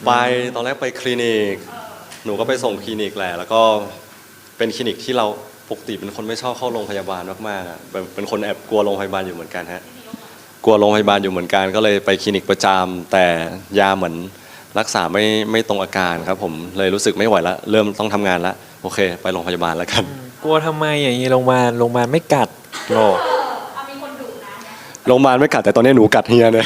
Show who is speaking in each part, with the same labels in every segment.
Speaker 1: ไปตอนแรกไปคลินิกหนูก็ไปส่งคลินิกแหละแล้วก็เป็นคลินิกที่เราปกติเป็นคนไม่ชอบเข้าโรงพยาบาลมากๆอ่ะเป็นคนแอบกลัวโรงพยาบาลอยู่เหมือนกันฮะกลัวโรงพยาบาลอยู่เหมือนกันก็เลยไปคลินิกประจำแต่ยาเหมือนรักษาไม่ตรงอาการครับผมเลยรู้สึกไม่ไหวแล้วเริ่มต้องทำงานแล้วโอเคไปโรงพยาบาลแล้วกัน
Speaker 2: กลัวทำไมอย่างนี้โรงพยาบาลไม่กัดหรอก
Speaker 3: มีคนดุนะ
Speaker 1: โรงพยาบาลไม่กัดแต่ตอนนี้หนูกัดเฮียเนี่ย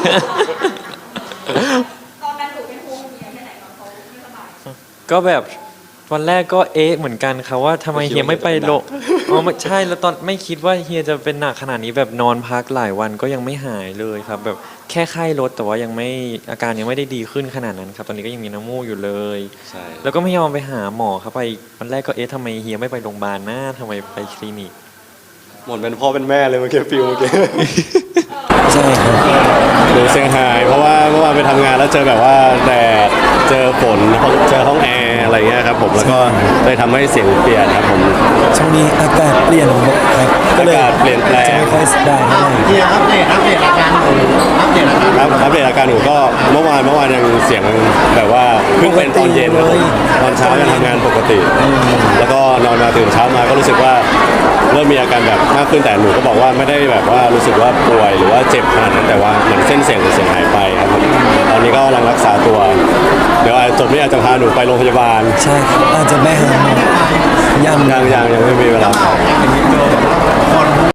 Speaker 3: ตอนนั้นดุเป็นห่วงเมียแค่ไหนตอนเขาไม่สบาย
Speaker 2: ก็แบบวันแรกก็เหมือนกันครับว่าทำไมเฮียไม่ไปโรงอ๋อไม่ใช่แล้วตอนไม่คิดว่าเฮียจะเป็นหนักขนาดนี้แบบนอนพักหลายวันก็ยังไม่หายเลยครับแบบแค่ไข้ลดแต่ว่ายังไม่อาการยังไม่ได้ดีขึ้นขนาดนั้นครับตอนนี้ก็ยังมีน้ำมูกอยู่เลย
Speaker 1: ใช่
Speaker 2: แล้วก็ไม่ยอมไปหาหมอครับไปวันแรกก็ทำไมเฮียไม่ไปโรงพยาบาลนะทำไมไปคลินิก
Speaker 1: หมดเป็นพ่อเป็นแม่เลยเมื่อกี้ฟิลเมื่อกี้
Speaker 2: ใช่ครับ
Speaker 4: หนูเซี่ยงไฮ้เพราะว่าเมื่อวานไปทำงานแล้วเจอแบบว่าแดดเจอฝนเจอห้องแอร์อะไรเงี้ยครับผมแล้วก็เลยทำให้เสียงเปลี่ยนครับผม
Speaker 5: ช่วงนี้อากาศเปลี่ยนครับก็เลย
Speaker 4: อากาศเปลี่ยนแปลง
Speaker 5: จะไม่ค่อยได้เท่าไหร่
Speaker 6: เฮียอัปเดตอาการหนูอัปเดตอาการ
Speaker 4: ครับอัปเดตอาการหนูก็เมื่อวานยังเสียงแบบว่าเพิ่งเป็นตอนเย็นครับผมตอนเช้ายังทำงานปกติ แล้วก็นอนมาตื่นเช้ามาก็รู้สึกว่าเริ่มมีอาการแบบมากขึ้นแต่หนูก็บอกว่าไม่ได้แบบว่ารู้สึกว่าป่วยหรือว่าเจ็บขนาดนั้นแต่ว่าเหมือนเส้นเสียงหายไปครับผมตอนนี้ก็กำลังรักษาตัว เดี๋ยวจบนี้อาจจะพาหนูไปโรงพยาบาล
Speaker 5: ใช่ครับอาจจะไม่หาหมอยัง
Speaker 4: ยังไม่มีเวลา
Speaker 6: คน